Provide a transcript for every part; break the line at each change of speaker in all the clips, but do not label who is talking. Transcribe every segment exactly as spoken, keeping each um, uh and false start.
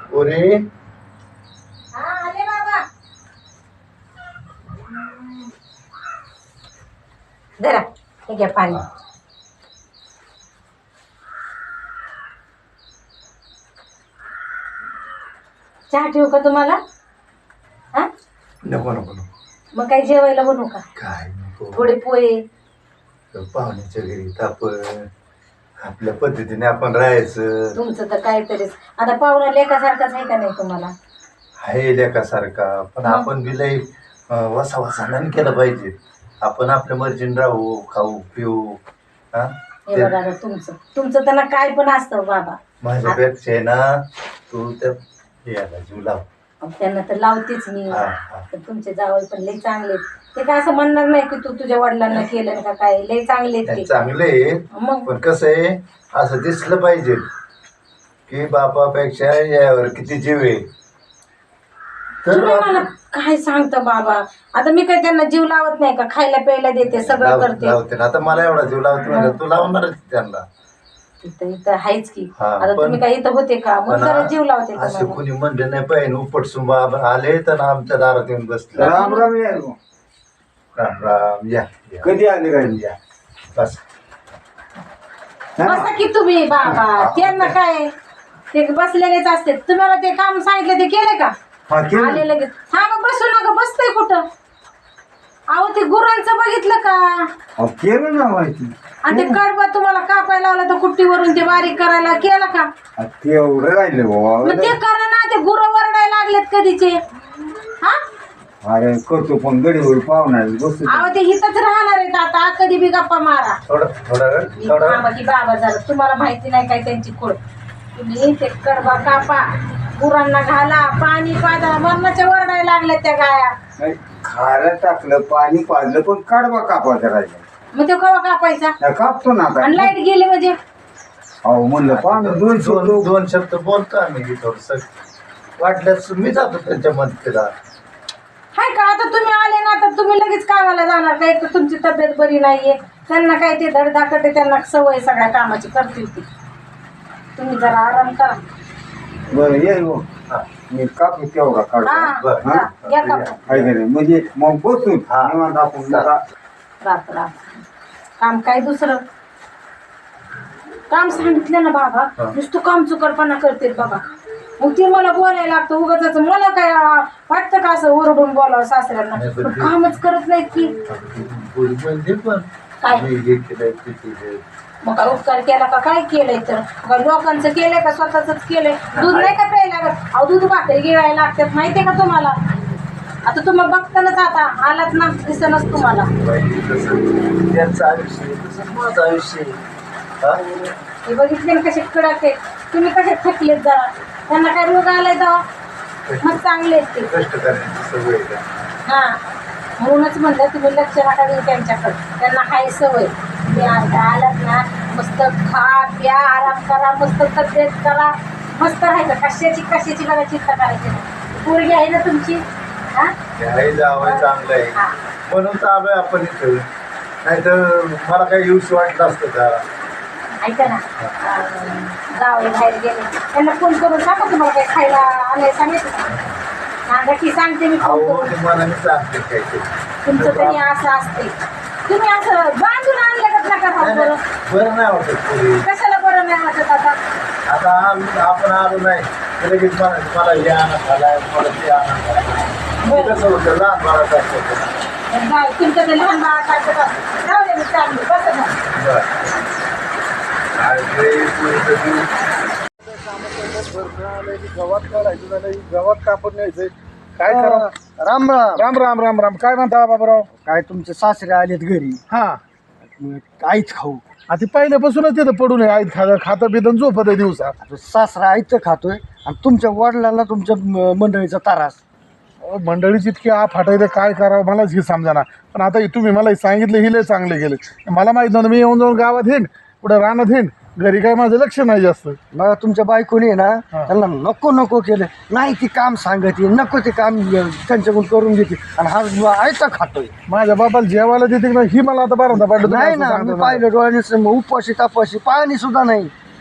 ओरे
हा आले बाबा. जरा हे घ्या पाणी. चहा ठेवू का तुम्हाला? हा
नको नको नको.
मग काय जेवायला बनवू का?
काय नको.
थोडे पोहे.
पाहुण्याच्या घरी आपण आपल्या पद्धतीने आपण राहायचं.
तुमचं तर काहीतरीच. आता पाहुणा लेकासारखाच आहे का नाही तुम्हाला?
आहे लेकासारखा, पण आपण बी लय वसा वसानं केलं पाहिजे. आपण आपल्या मर्जीने राहू, खाऊ पिऊ. हा
हे बघा आता तुमचं तुमचं त्यांना काय पण असतं बाबा.
माझ्यापेक्षा आहे ना तू त्या याला जीव लाव.
त्यांना तर लावतेच मी.
हा, हा.
तर तुमचे जावई पण लय चांगले. ते काय असं म्हणणार नाही की तू तुझ्या वडिलांना केलं का काय. लय चांगले ते.
चांगले
मग
पण कसं आहे असं दिसलं पाहिजे की बापापेक्षा यावर किती जीव आहे.
तुम्ही मला काय सांगता बाबा. आता मी काय त्यांना जीव लावत नाही का? खायला प्यायला देते, सगळं
लाव-
करते.
लावते ना. आता मला एवढा जीव लावते म्हणजे तू लावणारच त्यांना.
इथं इथं आहेच की.
हा,
आता
पण-
तुम्ही काय इथं होते का? मग
पण
जरा जीव लावते
असे
तुम्हाला.
कुणी म्हणले नाही पाहिजे. उपटसुंबा आले तर आमच्या दारात येऊन बसले.
राम राम या गो.
राम राम या या.
कधी आले काय
या बस.
बसा की तुम्ही बाबा. त्यांना काय ते बसलेलेच असते. तुम्हाला ते काम सांगितलं ते केले का?
हा केलं
आले लगेच. हा मग बसू नका. बसतंय कुठं? अहो ते गुरांचं बघितलं का?
अहो, केलं ना माहिती.
आणि ते कडबा तुम्हाला कापायला लावला तर कुट्टीवरून ते बारीक करायला केलं का?
अहो, ते एवढं राहिलं
मग
बाबा.
ते करा ना. ते गुरं वरडायला लागलेत कधीचे. हा
अरे करतो पण गडीवर पाहुणार बसतो.
अहो ते हिथंच राहणार आहेत आता. कधी बी गप्पा मारा.
थोडं थोडा वेळ
मी
थोडा
बाबा की बाबा झालं. तुम्हाला माहिती नाही काय त्यांची खोड. तुम्ही ते कडबा कापा, गुरांना घाला, पाणी पाजा. मरणाच्या वरडायला लागल्यात त्या गाया.
नाही, खारं टाकलं पाणी पाजलं पण कडबा कापायचा राहिला.
मग ते कवा कापायचा?
नाही, कापतो ना आता.
आणि लाईट गेली म्हणजे?
अहो म्हणलं पाहुणे दोन
दोन
शब्द
दोन शब्द बोलतो आम्ही थोडस वाटल्यास मी जातो त्यांच्या मदतीला.
हाय का? आता तुम्ही आले ना तर तुम्ही लगेच कामाला जाणार का? एक तर तुमची तब्येत बरी नाहीये. त्यांना काय ते धडधाकट आहे, त्यांना सवय सगळ्या कामाची करतील ती. तुम्ही जरा आराम करा.
बरं ये गो.
हा.
मी कापू तेवढा काढतो.
हा
बरं.
जा, या कापून.
काय करे म्हणजे मग बसून
हा.
निवांत आपण जरा
रात रात काम काय दुसरं काम सांगितलं ना बाबा.
हा.
नुसतं काम चुकारपणा करते बाबा. मग ते मला बोलायला लागतं उगाच. मला काय आ, वाटतं का असं ओरडून बोलावं सासऱ्यांना?
नाही, पण
पण
ते-
कामच करत नाहीत की
म्हणजे पण
काय?
मी हे केलंय ते केलंय.
मग काय उपकार केला का? काय केलंय तर? काय लोकांचं केलंय का स्वतःच केलंय? दूध नाही का प्यायला लागत? अहो दूध भाकरी गिळायला लागतात माहितीये का तुम्हाला? आता तुम्ही बघतानाच आता आलात ना दिसनच तुम्हाला.
पाहिजे तसं त्यांचं आयुष्य आहे, तसं माझं आयुष्य आहे. हा?
हे बघितले ना कसे कडक आहेत. तुम्ही कसे थकलेत जरा. त्यांना काय रोग आलाय तेव्हा? मग चांगले आहेत ते.
कष्ट करण्याची सवय आहे का?
हा म्हणूनच म्हणलं तुम्ही लक्ष नका देऊ त्यांच्याकडे. त्यांना हाय सवय. ते आता आलात ना मस्त खा प्या आराम करा, मस्त तब्येत करा, मस्त राहायचं. कशाची कशाची बघा चिंता करायची नाही. पोरगी आहे ना तुमची? हा
हे जावं चांगलं आहे
हा.
म्हणून तर आलोय आपण इथं. नाही तर मला काही यूज वाटलं असतं का?
ऐका ना अं, जावई बाहेर गेले त्यांना फोन करून सांगा तुम्हाला काही खायला आलंय सांगायचं का? सांगा की सांगते मी फोन
अहो
करून.
तुम्हाला मी सांगते काय ते.
तुमचं तरी असं असते. तुम्ही असं बांधून आणलं का नका
नाही,
बरं?
नाही, बरं नाही वाटत पोरी.
कशाला बरं नाही वाटत आता?
आता आम्ही आपण आलो नाही तर लगेच मला मला हे आणा झालाय मला ते आणा झालाय. ते कसं होतं लहान बाळाचं असतं.
नाही तुमचं ते लहान बाळा सारखं जाऊ दे मी चांगली बसं ना.
बरं. अरे पोरीचं जीव.
गवत काढायचं झालं गवत कापून न्यायचंय. काय करा?
राम राम.
राम राम राम राम. काय म्हणता बाबूराव?
काय तुमचे सासरे आलेत घरी
हा
काहीच खाऊ.
आता पहिल्यापासूनच तिथं पडून आहे. आई खा खातं पितं झोपत आहे दिवसा.
आता सासरा आईचं खातोय आणि तुमच्या वडिलांना तुमच्या म- मंडळीचा त्रास.
अहो, मंडळीची इतकी आ फाटायचं काय करावं मलाच हे समजाना. पण आता तुम्ही मला सांगितलं ही लय चांगले गेले. मला माहित नव्हतं. मी येऊन जाऊन गावात येईन पुढे रानात येईन. घरी काय माझं लक्ष नाही जास्त.
मग तुमच्या बायकोने आहे ना
हा.
त्यांना नको नको केलं. नाही ती काम सांगते नको ते काम त्यांच्याकडून करून घेते आणि हा आयता खातोय.
माझ्या बाबाला जेवायला देते ना ही मला आता बारा पडलं.
नाही ना मी पाहिलं डोळ्याने उपवाशी तापाशी पाणी सुद्धा नाही.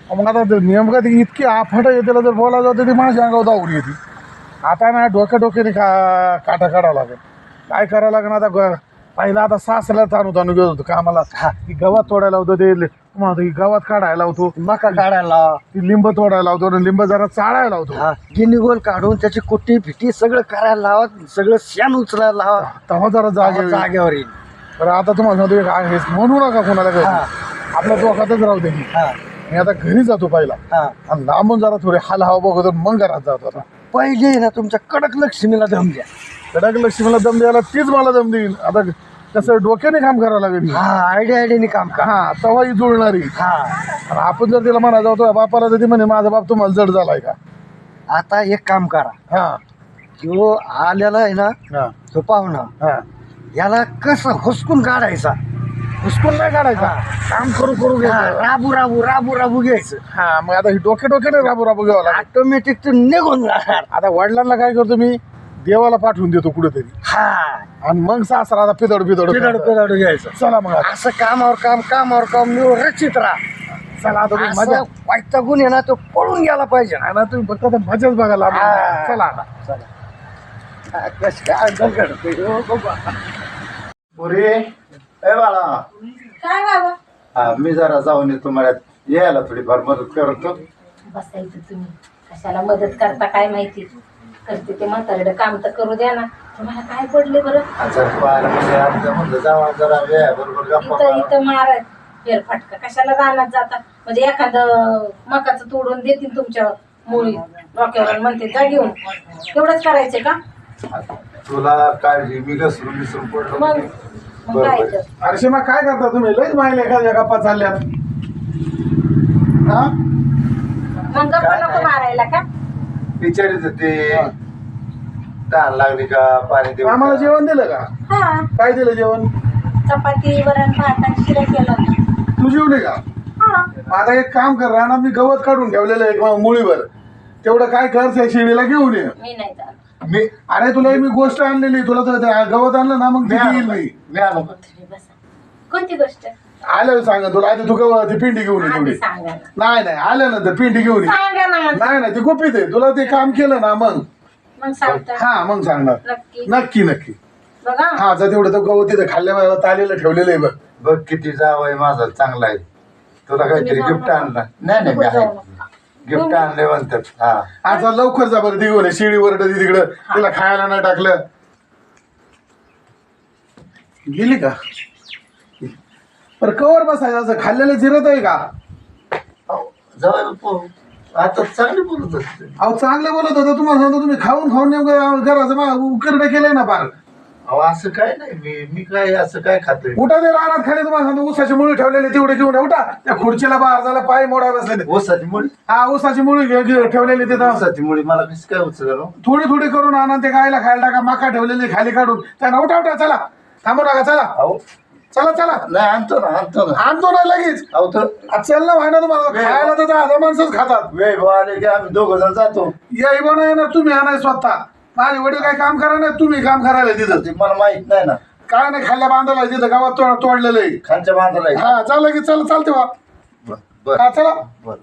मग आता ते नेमकं ती इतकी आफाट आहे त्याला जर बोलायला जातं ती माझ्या अंगावर दावली येते. आता ना डोक्या डोक्याने का काटा काढावं लागेल. काय करावं लागेल आता ग पहिला आता सासऱ्याला ताणू ताणू घेत होतो कामाला. हा ती गवत तोडायला होतं ते तुम्हाला ती गवत काढायला होतो,
मका काढायला,
ती लिंब तोडायला होतो आणि लिंब जरा चाळायला होतो.
हा गिनी गोल काढून त्याची कुट्टी फिटी सगळं करायला लावा, सगळं शेण उचलायला लावा,
तेव्हा जरा जागे
जागेवर येईल.
तर आता तुम्हाला सांगतो एक आहे म्हणू नका कोणाला काही आपल्या डोक्यातच राहू दे. मी आता घरी जातो पहिला आणि लांबून जरा थोडे हाल हवा बघतो मग घरात जातो. आता
पहिले ना तुमच्या कडक लक्ष्मीला दम द्या.
कडक लक्ष्मीला दम द्यायला तीच मला दम देईल. आता कसं डोक्याने काम करावं लागेल.
हा आयडिया आयडियाने काम का.
हा तेव्हा ही जुळणारी.
हा
आणि आपण जर तिला म्हणा जातो बापाला तर ती म्हणे माझा बाप तुम्हाला जड झालाय का.
आता एक काम करा,
हा
जो आलेला आहे ना
हा
तो पाहुणा,
हा
याला कसं हुसकून काढायचा.
हुसकून नाही काढायचा,
काम करू करू घ्यायचं, राबू राबू राबू राबू घ्यायचं.
हा मग आता ही डोके डोक्याने राबू राबू घ्यावं लागेल.
ऑटोमॅटिक तो निघून जाणार.
आता वडिलांना काय करतो मी देवाला पाठवून देतो कुठेतरी
हा
आणि मग सासरा आता पिदड पिदड
पिदाडू पिदाडू घ्यायचं.
चला मग आता.
असं कामावर काम कामावर काम निवड रचित राहा.
चला आता तुम्ही मजा
असं वाईट गुण आहे ना तो पळून गेला पाहिजे.
आहे ना तुम्ही फक्त आता मजाच बघायला आलो.
हा.
चला आता
चला कसं काय दगड हो बाबा.
पुरी ए बाळा,
काय बाबा
हा मी जरा जाऊन येतो मला यायला थोडीफार मदत करतो.
बसायचं तुम्ही, कशाला मदत करता काय माहिती. करते ते म्हातारडं काम तर करू द्या ना. तुम्हाला काय पडले बरं.
जर पाहायला म्हणजे आता म्हणलं जावा जरा वेळा बरोबर गप्पा
इथं
मारा.
इथं मारा फेरफटका, कशाला रानात जाता. म्हणजे एखादं मकाचं तोडून देतील तुमच्या मुळी डोक्यावर म्हणते जा घेऊन. एवढंच करायचं का.
तुला काळजी मी घसरून विसरून पडलो.
मग मग काय तर.
अरे मग काय करता तुम्ही लईच माहिले एखाद्या गप्पा चालल्या. हा
मग गप्पा नको मारायला का.
विचारित ते तहान लागली का पाणी देऊ
आम्हाला
का?
जेवण दिलं का.
हा
काय दिलं जेवण.
चपाती वरण भात आणि शिरा केला.
तू जेवले का.
हा
आता एक काम कर राणा मी गवत काढून ठेवलेलं आहे एक मुळीवर. तेवढं काय कर त्या शिडीला घेऊन ये.
मी नाही जात.
मी
अरे तुला मी गोष्ट आणलेली तुला तर ते गवत आणलं ना मग
मी
ते
आलो
येईल
का?
मी.
मी आलो का?
तुम्ही बसा. कोणती गोष्ट
आलं सांगा तुला आधी तू गवत ती पिंडी घेऊन ये
आधी
तेवढी.
सांगा ना.
नाही नाही आल्यानंतर पिंडी घेऊन ये.
सांगा ना मग.
नाही नाही ती गुपित आहे तुला ते काम केलं ना मग
मग सांगता
हा मग सांगणार.
नक्की
नक्की नक्की.
बघा.
हा जर तेवढं तो गवत तिथं खाल्ल्या तालेलं ठेवलेलं आहे बघ.
बघ किती जावय माझा चांगला आहे. तुला काहीतरी
तुम्ही
गिफ्ट
जाऊ
आणलं. नाही नाही मी
नको
आहे
जाऊ नका.
गिफ्ट आणले म्हणतात. हा
आता लवकर जा बरं ती घेऊन ये. शिडी वरड तिकडं तिला खायला नाही टाकलं. गेली का पर कवर बसायचं असं खाल्लेलं जिरत आहे का.
जावय आता चांगली बोलत असते.
अहो चांगले बोलत होतं तुम्हाला सांगतो तुम्ही खाऊन खाऊन नेमकं घराचं मा उकरडं केलंय ना फार.
अहो असं काय नाही मी मी काय असं काय खातोय.
उठा ते रानात खाली तुम्हाला सांगतो ऊसाची मुळी ठेवलेली तेवढे घेऊन ये. उठा त्या खुर्चीला बाहेर झाला पाय मोडा बसले.
ऊसाची मुळी
हा ऊसाची मुळी घे- घे- ठेवलेली तिथं
ऊसाची मुळी मला कसं काय उचल.
थोडी थोडी करून आणा ते गायला खायला टाका. मका ठेवलेली खाली काढून त्यांना उठा उठा चला थांबू नका चला
अहो
चला चला
नाही आणतो ना आणतो ना.
आणतो ना लगेच.
अहो तर
आ, चल ना व्हायना तुम्हाला खायला तर दहा माणसंच खातात.
वेळ भाऊ आले की आम्ही दोघं जण जातो.
या इबा नाही येणार तुम्ही आणाय स्वतः. माझे वडील काय काम करा नाही तुम्ही काम करायला तिथं.
ते मला माहित नाही ना.
काय नाही खाल्ल्या बांधायला तिथं गावात तोड तोडलेलं आहे.
खालच्या बांधाला आहे.
हा चाललं की चल चालते वा.
बर बर
हा चला.
बर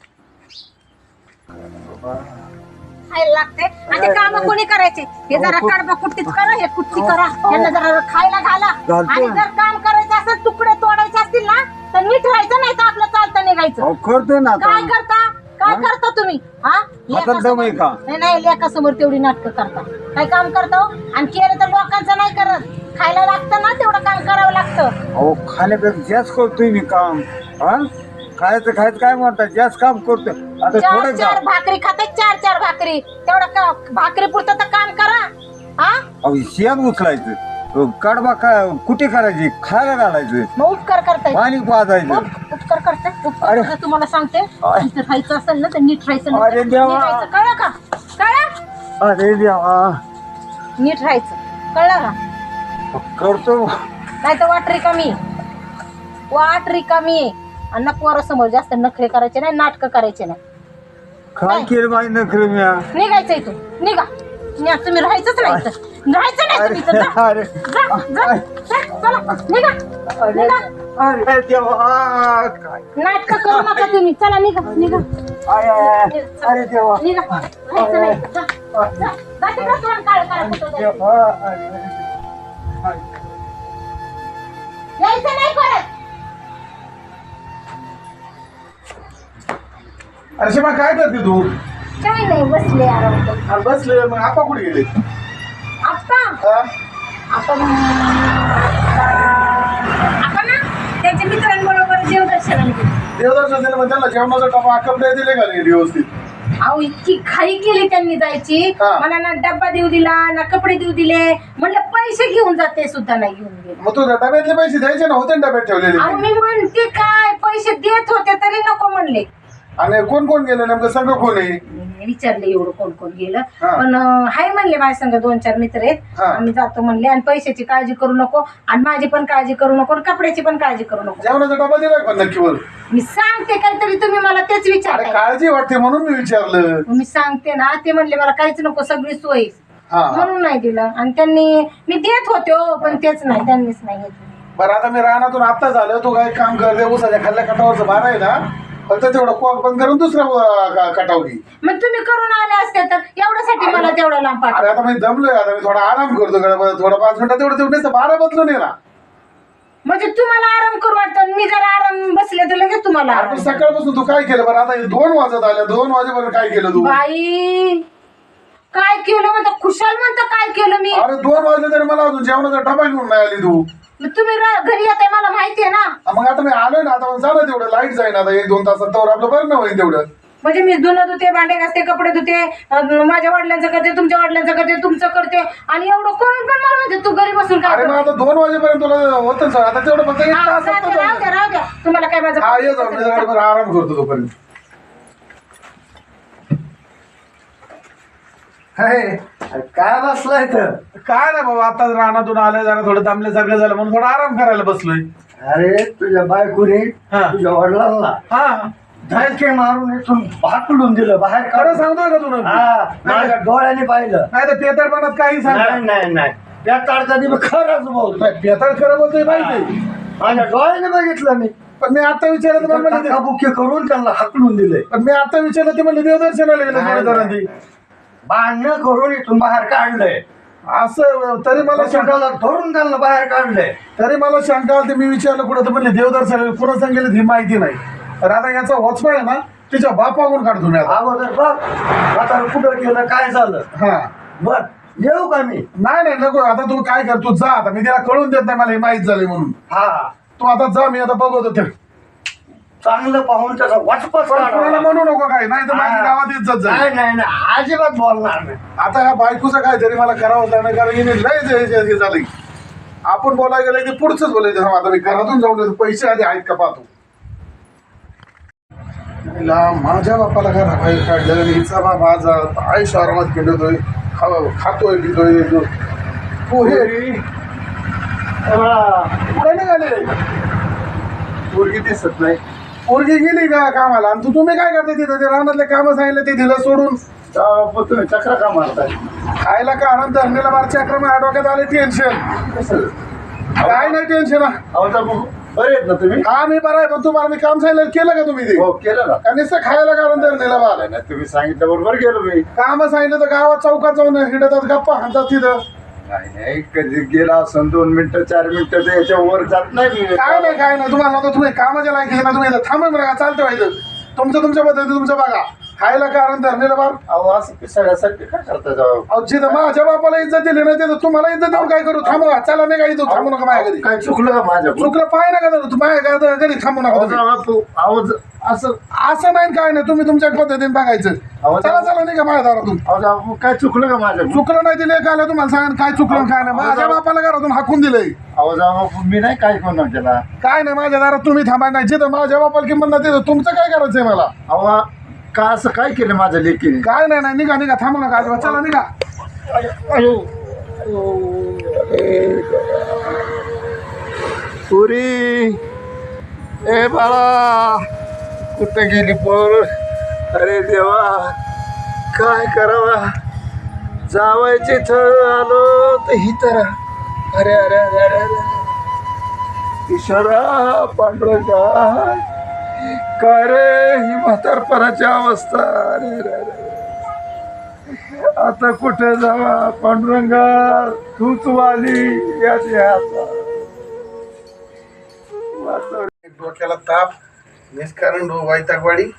खायला लागते आणि ते काम कोणी करायचे. हे जरा कडबा कुट्टीच करा, हे कुट्टी करा, यांना जरा खायला घाला. आणि जर काम करायचं असेल तुकडे तोडायचे असतील ना तर नीट राहायचं, नाही तर आपलं चालतं निघायचं.
करतोय ना
काय करता काय करता तुम्ही. हा
दम आहे का?
नाही नाही लेकासमोर तेवढी नाटकं करता. काय काम करता हो? आणि केलं तर लोकांचं नाही करत. खायला लागतं ना तेवढं काम करावं लागतं.
अहो खाण्यापेक्षा जास्त करतोय मी काम. हा खायचं खायचं काय म्हणतात जास्त काम करतोय. आता
चार
थोडं
चार भाकरी खाते, चार चार भाकरी तेवढं का भाकरी पुरतं तर काम करा. हा
अहो शेण उचलायचं कडबा काय कुठे करायची खायला घालायचं
मग उपकार करताय.
पाणी पाजायचं.
उप- उपकार करताय. उपकार
अरे.
करा, तुम्हाला सांगते
अरे.
इथं राहायचं असेल ना तर नीट राहायचं. नाही
अरे
तर
देवा.
नीट राहायचं. कळलं का. कळलं
अरे देवा
नीट राहायचं. कळलं का.
करतो.
नाही तर वाट रिकामी वाट रिकामी आणि ना पोरासमोर जास्त नखरे करायचे नाही, नाटकं करायचे नाही.
काय केलं माहिती नखरे म्या.
निघायचं इथून. निघा. नाही, तुम्ही राहायचंच नाही इथं. राहायचं नाही जायचं तिथं, जा.
अरे
जा, जा, जा, चला, निघा, निघा.
अरे देवा काय
नाटकं करू नका तुम्ही, चला निघा, निघा,
आय, आय, आय. अरे देवा
निघा. राहायचं नाही. जा, जा, जा तिकडं तोंड काळं करा, कुठं जायचं.
देवा, अरे.
यायचं नाही परत.
अरे शिमा काय करते तू?
काय नाही, बसले आराम करत.
अरे बसले मग आपा कुठे गेले?
आप्पा
हा?
आपण आपण ना त्यांच्या मित्रांबरोबर देवदर्शनाला गेलो.
देवदर्शन दिलं मग त्यांना जेवणाचा डबा कपडे दिले का नाही व्यवस्थित?
अहो इतकी घाई केली त्यांनी जायची,
हा.
मला ना डब्बा देऊ दिला ना कपडे देऊ दिले. म्हणलं पैसे घेऊन जाते सुद्धा नाही घेऊन गेले.
मग तू डब्यातले पैसे द्यायचे ना, होते ना डब्यात ठेवलेले?
अहो मी म्हणते काय, पैसे देत होते तरी नको म्हणले.
आणि कोण कोण गेले नेमकं, सगळं कोण आहे?
मी विचारले एवढं कोण कोण गेलं,
हा.
पण अं, हाय म्हणले माझ्या संग दोन चार मित्र आहेत,
हा.
आम्ही जातो म्हणले. आणि पैशाची काळजी करू नको, आणि माझी पण काळजी करू नको, आणि कपड्याची पण काळजी करू नको.
जेवणाचा डबा दिलाय पण नक्कीवर?
मी सांगते काहीतरी, तुम्ही मला तेच
अरे
विचारताय.
काळजी वाटते म्हणून मी विचारलं.
मी सांगते ना, ते म्हणले मला काहीच नको, सगळी सोय,
हा हा.
म्हणून नाही दिलं. आणि त्यांनी, मी देत होते हो, पण तेच नाही, त्यांनीच नाही घेतलं.
बरं आता मी रानातून आता झालं, तू काय काम करते, उसाच्या खाल्ल्या कटावरचं बारा आहे ना, फक्त तेवढं कोक बंद करून दुसरा कटाव घे.
मग तुम्ही करून आले असते तर एवढ्यासाठी मला तेवढा लांब
अरे
पाठवा.
आता मी दमलोय, आता मी थोडा आराम करतो गडबड, थोडा पाच मिनिटात तेवढं तेवढं बारा बदलून ये ना.
म्हणजे तुम्हाला आराम करू वाटतं, मी जर आराम बसले तर लगेच तुम्हाला
अरे
आराम.
पण सकाळपासून तू काय केलं बरं? आता हे दोन वाजत आल्या, दोन वाजेपर्यंत काय केलं तू?
बाई काय केलं म्हणता, खुशाल म्हणता काय केलं मी.
अरे दोन वाजले तरी मला अजून जेवणाचा डबा घेऊन नाही आली तू.
मग तुम्ही रा- घरी येताय मला माहितीये ना.
मग आता मी आलोय ना, आता जा ना तेवढं, लाईट जाईन आता एक दोन तासात, तर आपलं बरं ना होईल तेवढं.
म्हणजे मी धुणं धुते, भांडे घासते, कपडे धुते, अं, माझ्या वडिलांचं करते, तुमच्या वडिलांचं करते, तुमचं करते, आणि एवढं करून पण मला म्हणते तू घरी बसून काय
अरे मग
करते?
आता दोन वाजेपर्यंत तुला होतं सर, आता तेवढं फक्त एक
हा,
तास
जाते, राहू द्या राहू द्या, तुम्हाला काय माझं
हा ये जाऊन, मी जरा बरं आराम करतो तोपर्यंत.
अरे काय बसलाय तर?
काय नाही बाबा, आता रानातून आलंय, जरा थोडं दमले सगळे झालं म्हणून थोडा आराम करायला बसलोय.
अरे तुझ्या बायकोने
हा.
तुझ्या वडिलांना
हा
धडके मारून इथून भाकलून दिलं बाहेर
खरं
काढून.
सांगतोय का तू नक्की?
हा माझ्या डोळ्याने पाहिलं.
नाही तर पेतरपणात काही सांग.
नाही नाही नाही त्या काढताना मी खरंच बोलतोय.
पेतर खरं बोलतोय माहिती,
माझ्या डोळ्याने बघितलं मी.
पण मी आता विचारलं तर मला म्हणले-
बुके करून त्यांना हाकलून दिले.
पण मी आता विचारलं ते म्हणले देवदर्शनाला गेलं
नाही,
थोड्या जणांनी.
भांडणं करून इथून बाहेर काढलंय.
असं तरी मला शंका
शंकाला धरून त्यांना बाहेर काढलंय.
तरी मला शंका आली, मी विचारलं कुठं, तर म्हणले देवदर्शनाला. पुन्हा सांगितलं ही माहिती नाही. तर आता याचा वचपा आहे ना, तिच्या बापावरून काढतो मी आता.
अगोदर बघ आता कुठं गेलं काय झालं.
हा
बर येऊ का मी?
नाही नाही नको, आता तू काय कर, तू जा आता, मी तिला कळून देत नाही मला हे माहित झालंय म्हणून.
हा
तू आता जा, मी आता बघतो ते.
चांगलं पाहून त्याचा वाचपच
पण कोणाला म्हणू नको काय, नाही तर माझ्या गावात इज्जत जाईल.
नाही नाही नाही अजिबात बोलणार नाही.
आता ह्या बायकोचं काय तरी मला करावं लागणार, कारण हिने लय जे- जे- जे झालंय. आपण बोलायला गेलं की पुढचंच बोलायचं. हा, आता मी घरातून जाऊन येतो, पैसे आधी आहेत का पाहतो. हिला माझ्या बापाला घरा बाहेर काढलं, आणि हिचा बाप आज आयुष्य आरामात खेळतोय, खा- खातोय पितोय. हो हे पुढे निघाले,
पोरगी दिसत नाही.
पोरगी गेली का कामाला, आणि तू तुम्ही काय करते तिथं? ते रानातले कामं सांगितले ते दिलं सोडून.
तेव्हा तुम्ही चक्र का मारताय?
खायला कारण धरणीला बारचे अक्रम डोक्यात आले टेन्शन.
कसं?
काय नाही टेन्शन.
अहो तर मग बरे आहेत ना तुम्ही?
हा मी बरं आहे, पण तुम्हाला मी काम सांगितलं केलं का तुम्ही ते?
हो केलं ना.
का नुसतं खायला कारण धरणीला बार
नाही तुम्ही सांगितलं बरोबर गेलो मी.
काम सांगितलं तर गावात चौकात जाऊन हिंडतात, गप्पा हाणतात तिथं.
नाही नाही कधी गेला असं दोन मिनिटं चार मिनिटं तर याच्या वर जात नाही मी.
काय नाही काय नाही, तुम्हाला आता तुम्ही कामाच्या लायक आहे ना, तुम्ही इथं थांबून बघा, चालतं व्हायचं तुमचं तुमच्या पद्धती तुमचं बघा. खायला कारण धरणीला बार.
अहो असं पिसाळ्यासाठी काय करता जाऊ?
अहो जिथं माझ्या बापाला इज्जत दिली नाही तिथं तुम्हाला इज्जत देऊन काय करू? थांबवा, चला नाही काही थांबू नका माझ्या घरी.
काय चुकलं का माझ्या?
चुकलं पाय नका धरू, माझ्या घरी घरी थांबू नका तुम्ही.
आवाज असं
असं नाही काय नाही, तुम्ही तुमच्या पद्धतीने बघायचं.
आवाज-
चला चला नाही का माझ्या दारातून.
अहो काय चुकलं का माझ्या?
चुकलं नाही दिले काय तुम्हाला सांगा काय चुकलं काय नाही. माझ्या बापाला घरातून हाकून दिलंय.
आवाज मी नाही काय कोण केला.
काय नाही, माझ्या दारात तुम्ही थांबाय नाही. जिथं माझ्या बापाला किंमत नाही तिथं तुमचं काय करायचंय मला?
अहो का असं काय केलं माझ्या लेकीने?
काय नाही नाही, निघा निघा, थांबू नका अजिबात, चला निघा.
पुरी ए बाळा कुठं गेली पोर? अरे देवा काय करावा? जावायचे इथं आलो तर ही तर अरे अरे अरे अरे अरे ईश्वरा पांडुरंगा काय रे ही म्हातारपणाची अवस्था अरे अरे अरे आता कुठे जावा पांडुरंगा तूच वाली याची आता
डोक्याला ताप निष्कारण वैतागवाडी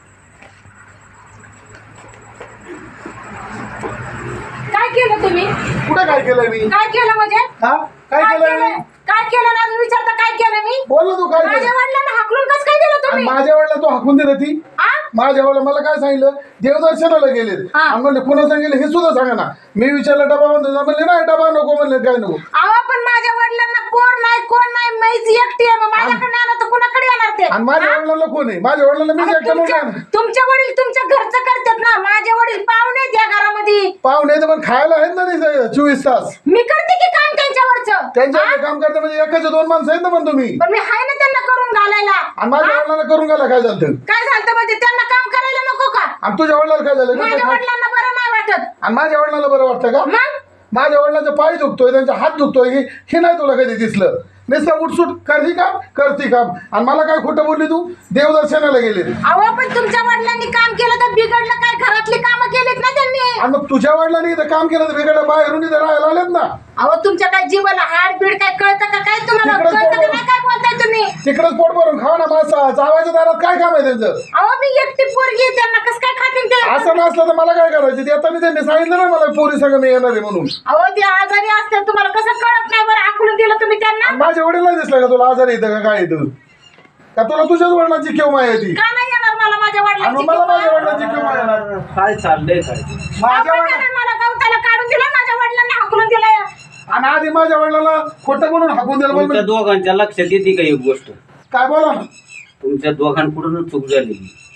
काय केलं तुम्ही
कुठं काय केलंय मी
काय केलं म्हणजे
हा काय
काय
केलंय मी
केलं काय केलं ना विचारता काय केलं मी
बोल ना तू काय
माझ्या
केलं
वडिलांना हाकलून कसं काय दिलं
आणि
तुम्ही
माझ्या वेळेला तू हाकून दिलं ती
आ?
माझ्या वेळेला मला काय सांगितलं देवदर्शनाला गेले
हा.
आणि म्हणले पुन्हा सांगितलं हे सुद्धा सांगा ना मी विचारलं डबा म्हणतो म्हणले नाही डबा नको म्हणले काय नको
अहो पण माझ्या वडिलांना कोण नाही कोण नाही मैच एकटी आहे मग माझ्याकडे आलं तर कुणाकडे येणार ते
आणि माझ्या
हा?
वडिलांना कोण आहे माझ्या वडिलांना मी
अरे
एकटा
तुमच्या
म्हणून
तुमच्या वडील तुमच्या घरचं करतात ना माझे वडील पाहुणे आहेत या घरामध्ये
पाहुणे तर पण खायला आहेत ना नाही चोवीस तास
मी करते की काम त्यांच्यावरचं
त्यांच्या
हा?
काम करता म्हणजे एकाचे दोन माणसं आहेत ना पण तुम्ही
पण मी हाय ना त्यांना करून घालायला
आणि माझ्या
हा?
वडिलांना करून गेला काय झालं
काय झालं म्हणजे त्यांना काम करायला नको का
आणि तुझ्या वडिलांना काय झालं
माझ्या वडिलांना बरं नाही वाटत
आणि माझ्या वडिलांना बरं वाटतं का
मग
माझ्या वडिलांचा पाय दुखतोय त्यांचा हात दुखतोय हे हे नाही तुला कधी दिसलं नुसतं उठसूट करही काम करती काम आणि मला काय खोटं बोलली तू देवदर्शनाला गेले
अहो पण तुमच्या वडिलांनी काम केलं तर बिघडलं काय घरातली कामं केलीत ना त्यांनी
आणि मग तुझ्या वडिलांनी इथं काम केलं तर वेगळ्या बाहेरून इथं राहायला आलेत ना
अहो तुमच्या काय जीवाला हाड बीड काय कळतं का काय तुम्हाला
तिकडंच
कळतं का
पोट
नाही काय बोलताय तुम्ही
तिकडंच पोट भरून खावा ना मासा जावायच्या दारात काय काम आहे त्यांचं
अहो मी एकटी पोरगी आहे, त्यांना कसं काय खातील ते
असं नसलं तर मला काय करायचं ते आता मी त्यांनी सांगितलं ना मला पोरी सगळं मी येणार आहे म्हणून
अहो ते आजारी असतात तुम्हाला कसं कळत नाही बरं आखलून दिलं तुम्ही त्यांना
आणि माझ्या वडिलांना दिसलं का तुला आजार येतं का काय येतं का तुला तुझ्याच वडिलांची केव माय येते
का नाही येणार मला माझ्या
आणि
वडिलांची
मला माझ्या
किंवा-
वडिलांची केव माय येणार
काय चाललंय काय
माझ्या
आपण
वडिला
त्यानं मला गवताला काढून दिलं माझ्या वडिलांना हाकलून दिलं
आणि आधी माझ्या वडिलांना खोटं म्हणून हाकून दिलं
तुमच्या
म्हणून
दोघांच्या लक्षात येते का एक गोष्ट
काय बोला ना
तुमच्या दोघांकडून चूक झालेली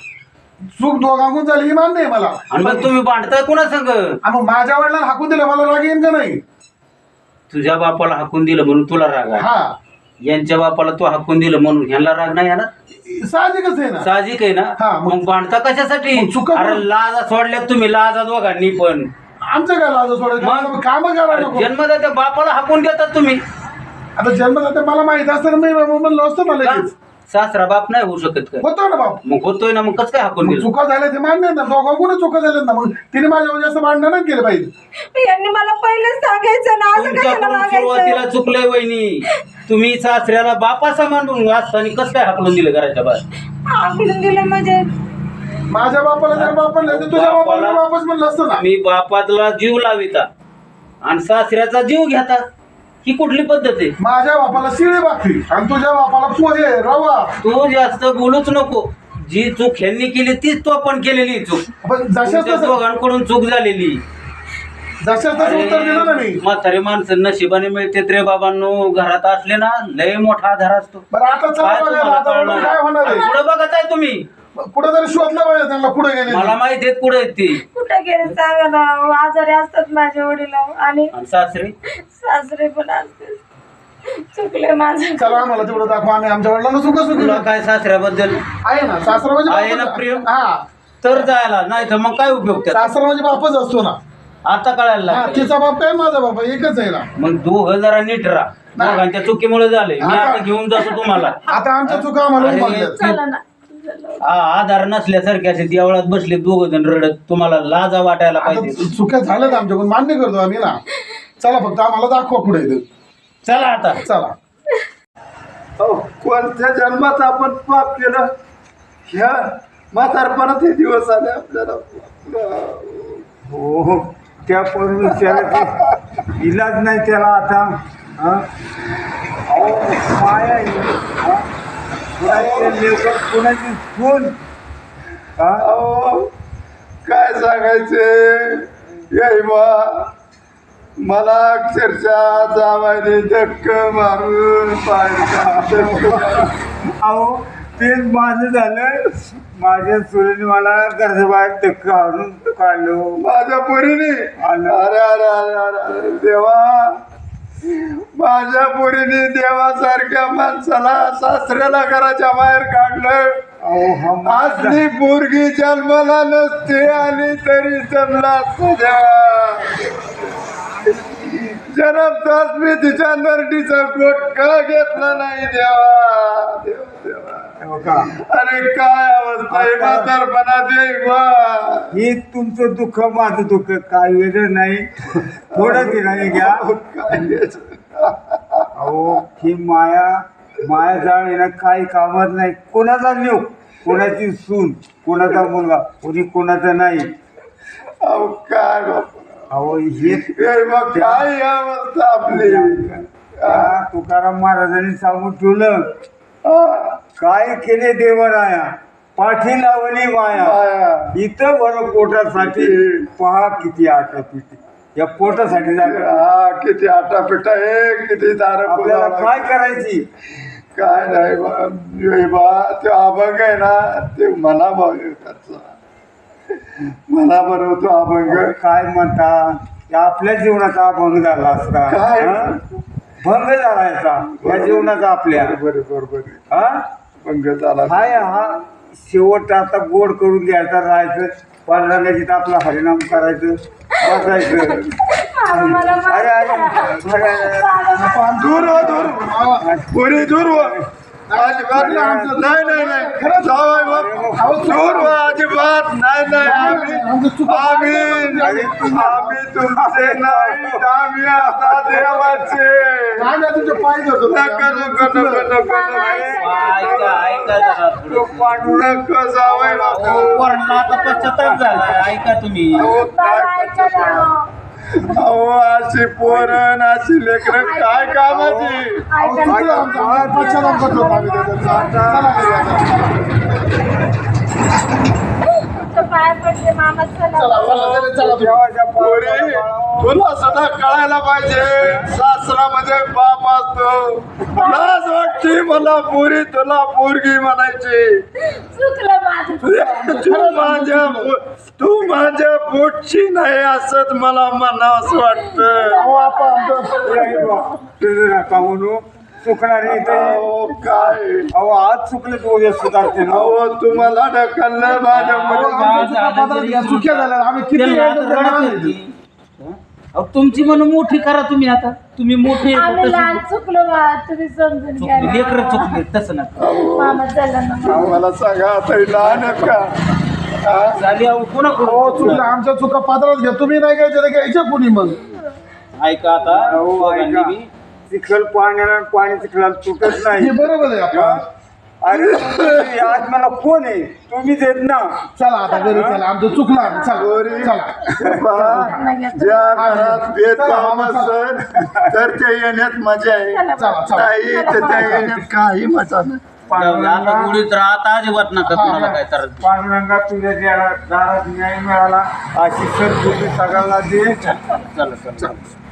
चूक दोघांकडून झाली ही मान्य आहे मला
आणि मग तुम्ही भांडताय कुणा संग
आणि मग माझ्या वडिलांना हाकून दिलं मला राग येईन का नाही
तुझ्या बापाला हाकून दिलं म्हणून तुला राग आहे
हा
यांच्या बापाला तू हाकून दिलं म्हणून ह्यांना राग नाही आहे ना
साहजिकच आहे ना
साहजिक आहे ना
हा, मग-
मग भांडता कशासाठी
मग चुका
अरे
पण-
लाजा सोडल्यात तुम्ही लाजा दोघांनी पण
आमचं काय लाज सोडायचं काम करायला नको
जन्मदात्या बापाला हाकून देतात तुम्ही
आता जन्मदाते मला माहित असतं मी म्हणलं असतं मला
का?
लगेच.
सासरा बाप नाही होऊ शकत काय
होतो ना बाप
मग होतोय ना मग कसं काय हाकून
मग
दिलं
चुका झाल्या ते मान्य आहे ना दोघांकडून चुका झाल्यात ना मग तिने माझ्या जास्त भांडण नाही केलं पाहिजे
यांनी मला पहिलेच सांगायचं ना असं कशाला
तुमच्याकडून सुरुवातीला
मागायचं
चुकलंय वहिनी तुम्ही सासऱ्याला बापा समान असताना कसं काय हाकलून दिलं घराच्या बाहेर
हाकलून दिलं म्हणजे
माझ्या बापाला जर बाप म्हणलं तर तुझ्या बापाला बापच म्हणलं असतं ना
मी बापाला जीव लाविता आणि सासऱ्याचा जीव घेता ही कुठली पद्धत आहे
माझ्या बापाला शिळी भाकरी आणि तुझ्या बापाला पोहे रवा
तू जास्त बोलूच नको जी चूक ह्यांनी केली तीच तो पण केलेली चूक
पण जशाच
तुमच्या
तसं
दोघांकडून चूक झालेली
जशाच तसं उत्तर दिलं ना मी
म्हातारे माणसं नशिबाने मिळते रे बाबांनो घरात असले ना लय मोठा आधार असतो
बरं आता चला
काय
बघायला
तुम्हाला
आता
कळणार?
काय होणार आहे
पुढं बघत आहे तुम्ही
कुठं तरी शोधलं पाहिजे त्यांना पुढे गेले
मला माहिती आहेत पुढे आहेत ती
कुठे गेले सांगा ना आजारी असतात माझे वडील आणि
आणि सासरे
सासरे पण असते चुकले माझं
चला आम्हाला तेवढं दाखवा आम्ही आमच्या वडिलांना सुख सुख
तुला काय सासऱ्याबद्दल
आहे ना सासरा म्हणजे
आहे ना
बापच-
प्रेम?
हा
तर जायला नाही तर मग काय उपयोग त्याचा
सासरा म्हणजे बापच असतो ना
आता कळायला
हा
लागलं.
तिचा बाप काय माझा बाप आहे, एकच आहे ना
मग दोघं जरा नीट राहा दोघांच्या चुकीमुळे झाले मी आता घेऊन जातो तुम्हाला
आता आमच्या चुका आम्हाला
अरे,
मागल्यात.
चला ना
हा आधार नसल्यासारखे असे देवळात बसले दोघ जण रडत तुम्हाला लाजा वाटायला पाहिजे
आता चुक्या झाल्यात आमच्याकडून मान्य करतो आम्ही ना चला फक्त आम्हाला दाखवा पुढे इथं.
चला आता
चला
अहो, कोणत्या जन्मात आपण पाप केलं ह्या म्हातारपणात हे दिवस आले आपल्याला
हो हो त्या पण इलाज नाही त्याला आता हं? अहो काय आहे हं? कुणाचे लेकर कुणाची खून हं?
अहो काय सांगायचे याई बा मला अक्षरशः जावायने धक्क मारून पाहिजे
अहो तेच माझं झालं माझ्या सुरेने मला घराबाहेर धक्का आणून काढलो
माझ्या पोरीने अरे अरे अरे अरे अरे देवा माझ्या पोरीने देवासारख्या माणसाला सासऱ्याला घराच्या बाहेर काढलं.
अहो हा माझा
असली पोरगी जन्माला नसते आणि तरी जन्मला तुझ्या जन्मताच मी तिच्या नरडीचा गोट का घेतला नाही देवा देवा देवा.
हो का?
अरे काय अवस्था आहे म्हातारपणाची बा.
हे तुमचं दुःख माझं दुःख काय वेगळं नाही. थोडं ते नाही घ्या.
काय
अहो ही माया माया जाण येणं काही कामात नाही. कोणाचा नेऊ, कोणाची सून, कोणाचा मुलगा, कोणी कोणाचा नाही.
अहो काय बापा.
अहो हे
हे मग काय अवस्था आपली.
त्या तुकाराम महाराजांनी सांगून ठेवलं,
हा.
काय केले देवराया पाठी लावली माया.
माया.
इथं बरं पोटासाठी पहा किती आटा पिटी. या पोटासाठी जागा
हा किती आटापिटा आहे किती दार
आपल्याला काय करायची.
काय नाही बा. हे बा ते अभंग आहे ना ते मना भाग त्याचा मना बरोबर तो अभंग
काय म्हणता या आपल्या जीवनाचा भंग झाला असता.
काय?
हं? भंग झाला याचा या जीवनाचा आपल्या.
बरोबर बरोबर
हा
भंग झाला.
हाय हा शेवट आता गोड करून घ्यायचा राहायचं. पांडुरंगाची आपला हरिनाम करायचं बसायचं.
बाबा, मला माफ
अरे अरे
करा.
अरे, अरे.
बाबा,
दूर हो दूर पुरी दूर हो अजिबात नाही नाही नाही खरं जावाय बाप दूर हो अजिबात नाही नाही आम्ही आम्ही आम्ही तुमचे नाही आम्ही आता देवाचे नका नका नका नका
ऐका ऐका जरा थोडं.
नको जावाय बाप
पोरांना आता पश्चाताप झाला. ऐका तुम्ही.
बाबा, ऐका ना.
अहो अशी पोरण अशी लेकरं काय कामाची.
ऐका ना. तुमचं पाय पडले मामा. चला
देवाच्या
पोरी
पाया
तुला सदा कळायला पाहिजे सासरामध्ये बाप असतो. लाज वाटते मला पोरी तुला पोरगी म्हणायची.
चुकलं माझं.
तू माझ्या तू माझ्या पोटची नाही असत मला म्हणावं वाटतं.
नका म्हणू चुकणार नाही ते.
अहो काय
अहो आज चुकले तू उद्या सुधारते ना.
अहो तुम्हाला ढकललं माझ्या मुलीने.
चुक्या झाल्या आम्ही किती
त्यांना
वेळ
आता
करणार
रडत
आहे?
होती. अहो, तुमची म्हणून मोठी करा तुम्ही. आता तुम्ही मोठे
आम्ही लहान चुकलो बा. तुम्ही समजून घ्या ना.
लेकर चुकले तसं नका.
मामा चला ना.
मला सांगा आता ही लहान आहेत का. हा?
झाली अहो पुन्हा
हो
करू.
चुकल्या आमच्या चुका पात्रात घ्या. तुम्ही नाही घ्यायच्या तर घ्यायच्या कुणी मग.
ऐका आता
अहो
दोघांनी
ऐका
बी.
चिखल पाण्याला पाणी चिखलाला तुटत
हे
नाही.
बरोबर आहे आपण.
अरे तुम्ही आज मला कोण आहे तुम्हीच येत ना.
चला आता घरी चला. आमचं चुकलं आम्ही. चला
पोरी
चला.
बा, ज्या घरात भेदभाव असेल तर ते येण्यात मजा आहे.
चला चला.
नाही तर त्या येण्यात काही मजा नाही.
आता गुढीत राहता अजिबात नका कुणाला काय तर.
पांडुरंगा तुझ्या ज्या दारात न्याय मिळाला अशी सद्बुद्धी सगळ्यांना दे.
चला चला.